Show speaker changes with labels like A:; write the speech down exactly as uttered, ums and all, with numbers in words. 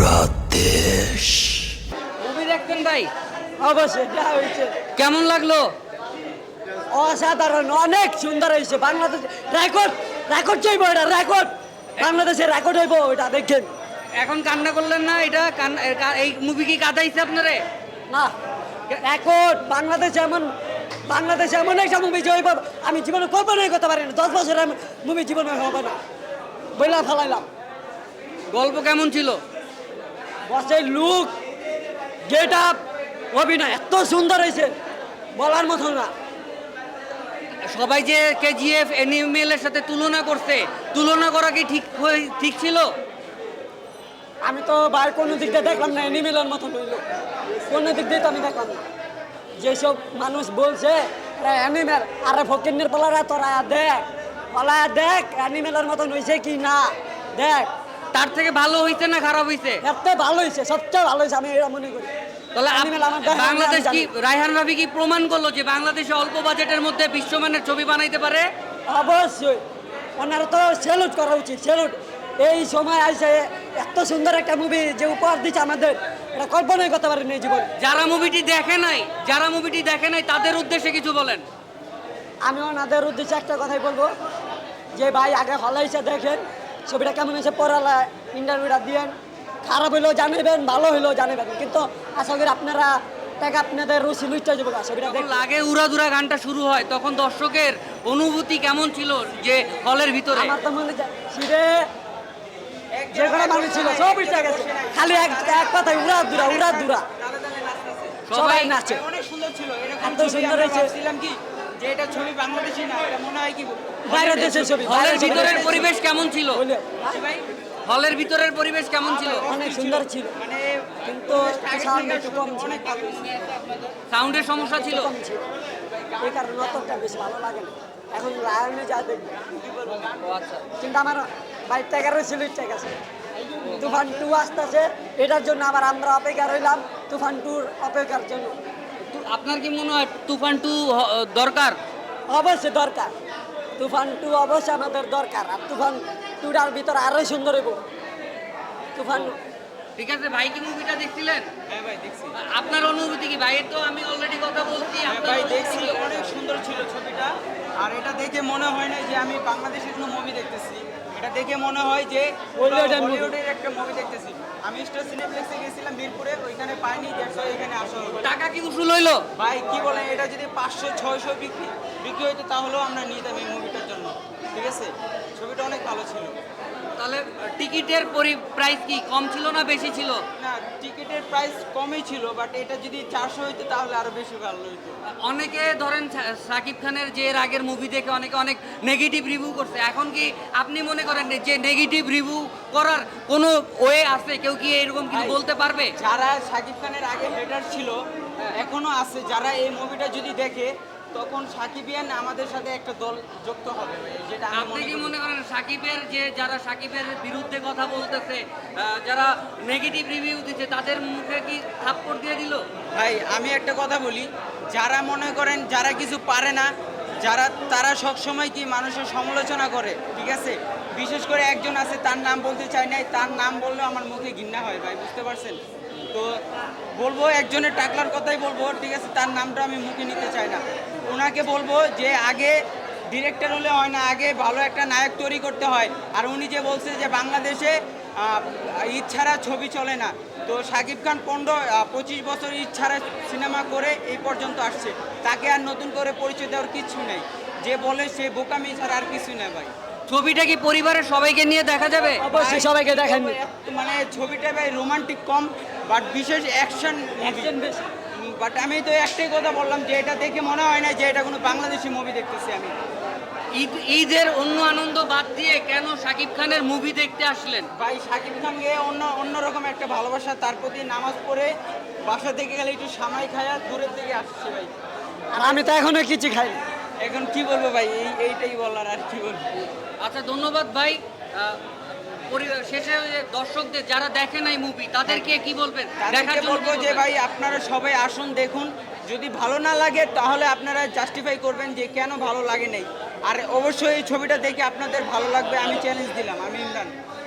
A: পুরা দেশ।
B: মুভি দেখতেন ভাই?
C: অবশ্যই যা হয়েছে
B: কেমন লাগলো?
C: অসাধারণ, অনেক সুন্দর হয়েছে। বাংলাদেশ রেকর্ড রেকর্ড চাইবো, এটা রেকর্ড, বাংলাদেশের রেকর্ড হইব এটা দেখেন।
B: এখন কান্না করলেন না? এটা কান্না- এ- কা- এই মুভি কি কাঁদাইছে আপনারে?
C: না, রেকর্ড বাংলাদেশে এমন বাংলাদেশে এমন একটা মুভি যে হইব আমি জীবনে কল্পনাই করতে পারি না। দশ বছরের মুভি জীবনে হবে না বইলা ফেলাইলাম।
B: গল্প কেমন ছিল?
C: বসে লুক, গেট আপ, অভিনয় এত সুন্দর হয়েছে বলার মতো না।
B: সবাই যে কেজিএফ অ্যানিমেলের সাথে তুলনা করছে, তুলনা করা কি ঠিক হয়ে- ঠিক ছিল?
C: আমি তো বাইরে কোনো দিক দিয়ে দেখলাম না, অ্যানিমেলের মতো হইল কোনো দিক দিয়ে তো আমি দেখলাম না। যেসব মানুষ বলছে অ্যানিমেল, আরে ফকিনের পালারা তোরা দেখ, পালা দেখ অ্যানিমেলের মতন হয়েছে কি না দেখ।
B: তার থেকে ভালো হইছে না খারাপ হইছে?
C: এত ভালো হয়েছে, সবচেয়ে ভালো হয়েছে আমি এটা মনে করি।
B: তাহলে আপ-
C: Animal আমার দেখা-
B: বাংলাদেশ
C: আমি
B: কি,
C: জানি।
B: রায়হান রাফি কি প্রমাণ করলো যে বাংলাদেশে অল্প বাজেটের মধ্যে বিশ্বমানের ছবি বানাইতে পারে?
C: অবশ্যই ওনারা তো স্যালুট করা উচিত, স্যালুট। এই সময় আসে এত সুন্দর একটা মুভি যে উপহার দিচ্ছে আমাদের, এটা কল্পনাই করতে পারিনি এই জীবনে।
B: যারা মুভিটি দেখে নাই, যারা মুভিটি দেখে নাই তাদের উদ্দেশ্যে কিছু বলেন।
C: আমি ওনাদের উদ্দেশ্যে একটা কথাই বলবো যে ভাই আগে হলে এসে দেখেন ছবিটা কেমন হয়েছে, পড়ালা ইন্টারভিউটা দিয়েন, খারাপ হইলেও জানাবেন, ভালো হইলেও জানাবেন, কিন্তু আশা করি আপনারা টাকা আপনাদের রুচি লুচটা যাবো ছবিটা
B: যখন
C: দেখুন।
B: লাগে উড়াদুরা গানটা শুরু হয় তখন দর্শকের অনুভূতি কেমন ছিল যে হলের ভিতরে?
C: আমার তো মনে যায় সিরে যে কোনো মানুষ ছিল সব উঠে গেছে, খালি এক এক কথায় উড়া দুরা উড়া দুরা সবাই নাচে।
D: অনেক সুন্দর ছিল। এরকম
C: এত
D: ছবি
C: সুন্দর
D: আমরা
C: হয়েছে।
D: ভাবছিলাম কি যে এটা ছবি বাংলাদেশি না, এটা মনে হয় কি
C: বাইরের দেশের ছবি,
B: হলের
C: বাইরের
B: ভিতরের
C: ছবি।
B: পরিবেশ কেমন ছিল?
C: বলে,
D: কি ভাই?
B: হলের ভিতরের পরিবেশ কেমন ছিল?
C: অনেক সুন্দর ছিল,
D: মানে
C: কিন্তু সাউন্ড একটু কম ছিল,
D: অনেক ভালো ছিল।
B: সাউন্ডের সমস্যা ছিল?
C: কম ছিল, এই কারণে অতটা বেশি ভালো লাগে না। এখন লায়নে যা দেখবে,
B: ও আচ্ছা।
C: কিন্তু আমার বাইক টাকারও ছিল ঠিক আছে। তুফান টু আসতেছে, এটার জন্য আবার আমরা অপেক্ষা রইলাম, তুফান টুর অপেক্ষার জন্য।
B: তো আপনার কি মনে হয় তুফান টু দরকার?
C: অবশ্যই দরকার, তুফান টু অবশ্যই আমাদের দরকার। আর তুফান টুটার ভিতরে আরোই সুন্দর হইব তুফান।
B: ঠিক আছে, ভাই কি মুভিটা দেখছিলেন?
D: হ্যাঁ ভাই দেখছি।
B: আপনার অনুভূতি কি? ভাইয়ের তো আমি অলরেডি কথা বলছি,
D: হ্যাঁ
B: আপনার
D: ভাই
B: অনুভূতি
D: দেখছি,
B: কি?
D: অনেক সুন্দর ছিল ছবিটা। আর এটা দেখে মনে হয় না যে আমি বাংলাদেশের কোনো মুভি দেখতেছি, এটা দেখে মনে হয় যে
C: হলিউডের movie।
D: হলিউডের একটা মুভি দেখতেছি। আমি স্টার সিনেপ্লেক্সে গেছিলাম মিরপুরে, ওইখানে পাইনি, দেখছো এখানে আসা হলো।
B: টাকা কি উসুল হইলো?
D: ভাই কি বলেন, এটা যদি পাঁচশো ছয়শো বিক্রি বিক্রি হইতো তাহলেও আমরা নিতাম এই মুভিটার জন্য। ঠিক আছে, ছবিটা অনেক ভালো ছিল।
B: তাহলে টিকিটের প্রাইস কি কম ছিল না বেশি ছিল?
D: না, টিকিটের প্রাইস কমই ছিল, বাট এটা যদি চারশো হইতো তাহলে আরো বেশি ভালো হইতো।
B: অনেকে ধরেন সা- সাকিব খানের যে এর আগের মুভি দেখে অনেকে অনেক নেগেটিভ রিভিউ করছে। এখন কি আপনি মনে করেন যে নেগেটিভ রিভিউ করার কোনো ওয়ে আছে? কেউ কি এরকম কিছু
D: ভাই,
B: বলতে পারবে?
D: যারা সাকিব খানের আগে হেটার ছিল এখনো আছে, যারা এই মুভিটা যদি দেখে তখন সাকিবিয়ান আমাদের সাথে একটা দল যুক্ত হবে, যেটা আমি
B: আপনি
D: মনে
B: কি
D: করি।
B: মনে করেন সাকিবের যে যারা সাকিবের বিরুদ্ধে কথা বলতেছে, আহ, যারা নেগেটিভ রিভিউ দিচ্ছে তাদের মুখে কি থাপ্পড় দিয়ে দিল?
D: ভাই আমি একটা কথা বলি, যারা মনে করেন যারা কিছু পারে না, যারা তারা সব সময় কি মানুষের সমালোচনা করে, ঠিক আছে। বিশেষ করে একজন আছে, তার নাম বলতে চাই নাই, তার নাম বললেও আমার মুখে ঘৃণা হয় ভাই, বুঝতে পারছেন তো। বলবো একজনের টাকলার কথাই বলবো, ঠিক আছে, তার নামটা আমি মুখে নিতে চাই না। ওনাকে বলবো যে আগে ডিরেক্টর হলে হয় না, আগে ভালো একটা নায়ক তৈরি করতে হয়। আর উনি যে বলছে যে বাংলাদেশে আহ, ঈদ ছাড়া ছবি চলে না, তো শাকিব খান পনেরো পঁচিশ বছর ঈদ ছাড়া সিনেমা করে এই পর্যন্ত আসছে, তাকে আর নতুন করে পরিচয় দেওয়ার কিছু নেই। যে বলে সে বোকামি ছাড়া আর কিছু নেই ভাই।
B: ছবিটা কি পরিবারের সবাইকে নিয়ে দেখা যাবে?
C: অবশ্যই সবাইকে দেখেন।
D: মানে ছবিটা ভাই রোমান্টিক কম, বাট বিশেষ অ্যাকশন
C: Action বেশি।
D: বাট আমি তো একটাই কথা বললাম যে এটা দেখে মনে হয় না যে এটা কোনো বাংলাদেশি মুভি দেখতেছি আমি।
B: ঈদ ঈদের অন্য আনন্দ বাদ দিয়ে কেন শাকিব খানের মুভি দেখতে আসলেন?
D: ভাই শাকিব খানকে অন্য অন্যরকম একটা ভালোবাসা, তার প্রতি নামাজ পড়ে বাসা থেকে গেলে একটু সামাই খায়া দূরের থেকে আসছে ভাই।
C: আর আমি তো এখনো কিছু খাই।
D: এখন কি বলবো ভাই, এই এইটাই বলার, আর কি বলবো।
B: আচ্ছা, ধন্যবাদ ভাই। আহ, পরি- শেষে ওই যে দর্শকদের যারা দেখে নাই মুভি তাদেরকে কি বলবেন? দেখার
D: তাদেরকে
B: জন্য
D: বলবো
B: কি
D: যে
B: বলবেন?
D: ভাই আপনারা সবাই আসুন, দেখুন, যদি ভালো না লাগে তাহলে আপনারা জাস্টিফাই করবেন যে কেন ভালো লাগে নাই। আর অবশ্যই এই ছবিটা দেখে আপনাদের ভালো লাগবে, আমি চ্যালেঞ্জ দিলাম। আমি ইমরান।